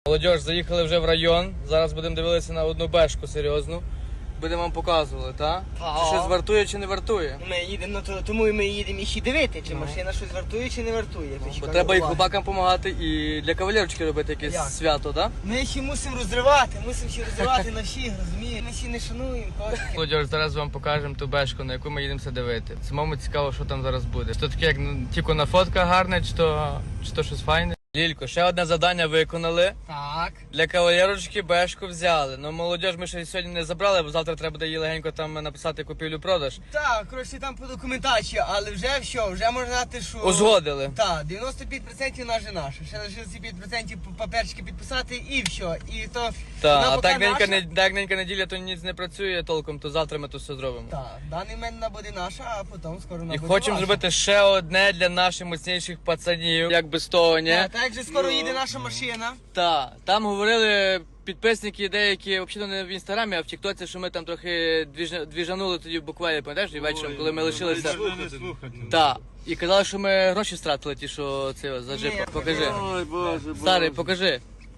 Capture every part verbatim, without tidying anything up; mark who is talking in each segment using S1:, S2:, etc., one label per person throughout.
S1: Молодіж, заїхали вже в район, зараз будемо дивитися на одну бешку серйозну. Будемо вам показувати, так? Чи щось вартує, чи не вартує.
S2: Ми їдемо, ну, то, тому і ми їдемо і ще дивити, чи машина щось вартує, чи не вартує.
S1: Ну, бо треба і хлопакам допомагати, і для кавалерочки робити якесь
S2: Як?
S1: свято, так?
S2: Ми ще мусимо розривати, мусимо ще розривати на всіх, розумієш? Ми ще не шануємо кожен.
S1: Молодіж, зараз вам покажемо ту бешку, на яку ми їдемося дивити. Самому цікаво, що там зараз буде. Чи то таке, як ну, тільки на фотках гарне, чи то, чи то щось файне. Лілько, ще одне завдання виконали.
S2: Так.
S1: Для кавалерочки бешку взяли. Ну, молодіж ми ще сьогодні не забрали, бо завтра треба буде їй легенько там написати купівлю-продаж.
S2: Так, коротше, там по документації, але вже все, вже можна знати, що...
S1: Узгодили.
S2: Так, дев'яносто п'ять відсотків наша наша. Ще лишилося п'ять відсотків паперчики підписати і все. І то...
S1: Так,
S2: вона
S1: а
S2: поки
S1: так ненька,
S2: наша.
S1: не, так ненька неділя, то ніц не працює толком, то завтра ми то все зробимо.
S2: Так, даний момент вона буде наша, а потім скоро вона
S1: І
S2: буде
S1: хочемо
S2: ваша.
S1: зробити ще одне для наших міцніших пацанів, як без того, ні?
S2: Так, так же скоро їде наша машина.
S1: Так, там говорили підписники деякі, взагалі не в інстаграмі, а в Тіктоці, що ми там трохи двіж- двіжанули тоді в буквалі, пам'ятаєш, і вечором, коли ми лишилися. Так, і казали, що ми гроші стратили, ті, що це за джип.
S2: Ні,
S1: Покажи.
S3: Ой, боже, боже.
S1: Старий, покажи.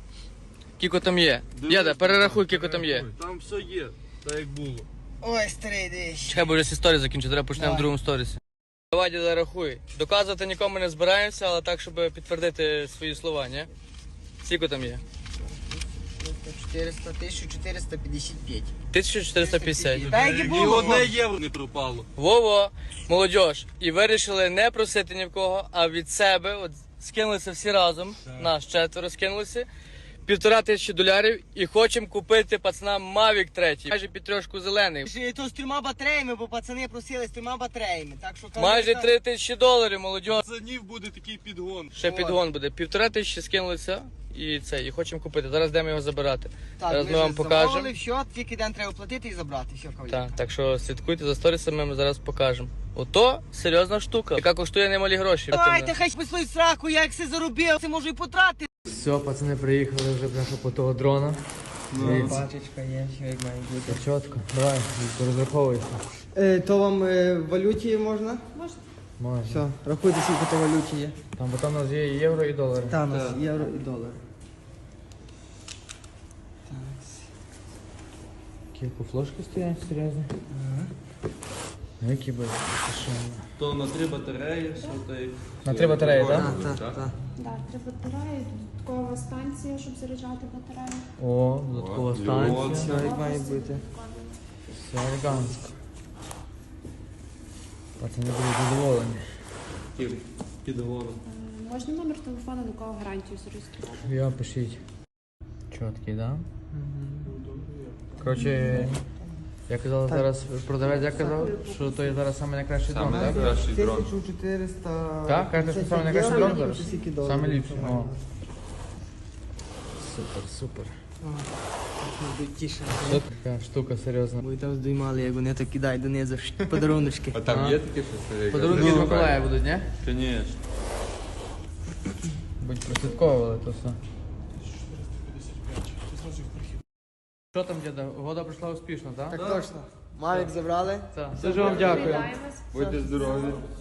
S1: Кіко там є. Дяда, перерахуй, кіко там є.
S3: Там все є, так як було.
S2: Ой, старий, дивись.
S1: Чекай, бо вже всі сторі закінчу, треба почнемо в
S2: Давай.
S1: другому сторісі. Давай, діда, рахуй. Доказувати нікому не збираємося, але так, щоб підтвердити свої слова, ні? Скільки там є?
S2: чотириста, тисяча чотириста п'ятдесят п'ять.
S1: тисяча чотириста п'ятдесят.
S2: Так як і
S3: І
S2: було.
S3: одне євро не пропало.
S1: Во-во, молодіж. І вирішили не просити ні в кого, а від себе, от скинулися всі разом, нас четверо скинулися, півтора тисячі долярів і хочемо купити пацанам Mavic третій. Майже під трьошку зелений.
S2: Ще то з трьома батареями, бо пацани просили з трьома батареями. Так що
S1: Майже три тисячі доларів, молодіж.
S3: За нів буде такий підгон.
S1: Ще підгон буде. Півтора тисячі скинулися і це, і хочемо купити. Зараз йдемо його забирати.
S2: Так,
S1: Зараз
S2: ми
S1: ми вам
S2: вже
S1: покажемо.
S2: замовили, все, тільки день треба платити і забрати. Все, кавалер.
S1: Так, так що слідкуйте за сторісами, ми зараз покажемо. Ото серйозна штука, яка коштує немалі гроші.
S2: Давайте, хай списують сраку, я як все заробив, це можу і потратити.
S1: Все, пацани приїхали вже бляха по того дрона.
S2: Пачечка є, що як має бути.
S1: Чітко, давай, розраховуйся.
S2: Е, то вам е, в валюті можна?
S1: Можна.
S2: Все, рахуйте, скільки то валюті є.
S1: Там, бо там у нас є і євро і долари.
S2: Там у нас євро і долар.
S1: Які флошки стоять серйозно? Ну, які би
S3: То на три батареї, все так.
S1: На три батареї, так?
S2: Так, так, так.
S4: Да, три батареї, додаткова станція, щоб заряджати батарею.
S1: О, додаткова
S3: От,
S1: станція.
S2: Все як має бути.
S1: Все елегантсько. Пацани будуть задоволені.
S3: Підгоном.
S4: Е, Можна номер телефону, до кого гарантію зареєструвати?
S1: Я пишіть. Чіткий, да? Коротше, я казав зараз, продавець я казав, що то є зараз саме найкращий дрон, так?
S2: тисяча чотириста...
S1: Так, каже, що саме найкращий дрон зараз?
S2: Скільки доларів?
S1: Саме ліпший. О. Супер, супер.
S2: Будуть тіше.
S1: Що така штука серйозна.
S2: Бо і там здіймали, як вони так кидають донизу подаруночки.
S3: А там є таке щось?
S1: Подарунки від Миколая будуть, ні?
S3: Звісно.
S1: Будь прослідковували то все. Що там, діда? Угода пройшла успішно, так?
S2: Так точно. Мавік забрали.
S1: Так. Дуже вам дякую.
S4: Вітаємось.
S3: Будьте здорові.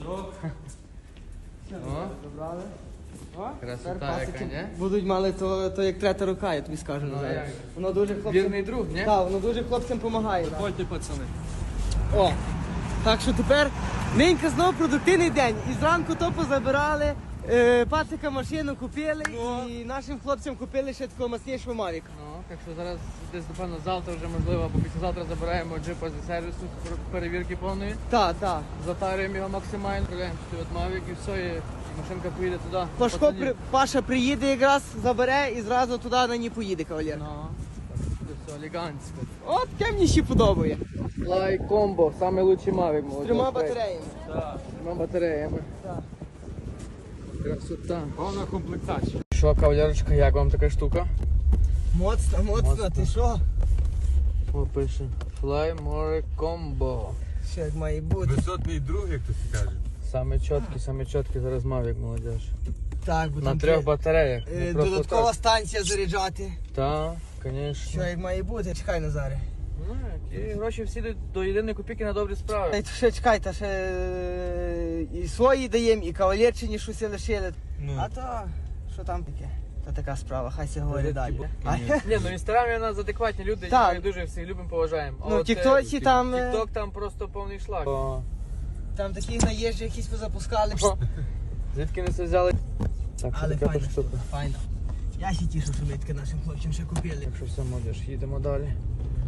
S1: О,
S2: Забрали. О,
S1: красота
S2: тепер
S1: яка,
S2: пасики
S1: ні?
S2: Будуть мали то, то як третя рука, я тобі скажу
S1: Ну,
S2: Назар.
S1: як?
S2: Воно дуже хлопцям...
S1: Вірний друг, ні?
S2: Так, воно дуже хлопцям допомагає.
S3: Ходьте, пацани.
S2: О, так що тепер ненька знову продуктивний день. І зранку то позабирали, е, пацика машину купили і нашим хлопцям купили ще такого маснішого Мавіка.
S1: Ну, так що зараз десь, напевно, завтра вже можливо, або післязавтра забираємо джипа зі сервісу пер- перевірки повної.
S2: Так, так.
S1: Затарюємо його максимально, відправляємо сюди от Mavic і все, і машинка поїде туди.
S2: Пашко,
S1: Пацанів.
S2: при, Паша приїде якраз, забере і зразу туди на ній поїде, кавалер.
S1: Ну, так, буде все елегантсько.
S2: От таке мені ще подобає.
S1: Fly Combo, самий лучший Mavic, молодець.
S2: З трьома батареями.
S1: Так, з трьома батареями.
S2: Так.
S1: Красота.
S3: Повна комплектація.
S1: Що, кавалерочка, як вам така штука?
S2: Моцно, моцно, ти що?
S1: О, пише. Fly More Combo.
S2: Що як має бути?
S3: Висотний друг, як хтось каже.
S1: Саме чіткий, саме чіткий зараз Mavic, молодеж.
S2: Так, бо
S1: На
S2: там
S1: трьох
S2: три-
S1: батареях.
S2: е,
S1: Не просто
S2: додаткова
S1: так.
S2: станція заряджати.
S1: Так,
S2: Що
S1: звісно.
S2: як має бути? Чекай, Назаре.
S1: Ну, і гроші всі йдуть до єдиної копійки на добрі справи.
S2: Та й ще чекай, та ще е, і свої даємо, і кавалерчині щось лишили.
S3: Ну.
S2: А то, що там таке? Та така справа, хай се говорить далі. А,
S1: Ні, ну в інстаграмі у нас адекватні люди,
S2: Так.
S1: ми дуже всіх любимо, поважаємо. А
S2: ну,
S1: от,
S2: тіктоці
S1: е,
S2: там, е,
S1: Тікток там просто повний шлак.
S2: там такі наїжджі якісь позапускали.
S1: Звідки не все взяли? Так, що
S2: Але
S1: така
S2: файно,
S1: то штука.
S2: файно. Я ще тішу, що ми таке нашим хлопцям ще купили.
S1: Так що все, молодіж, їдемо далі.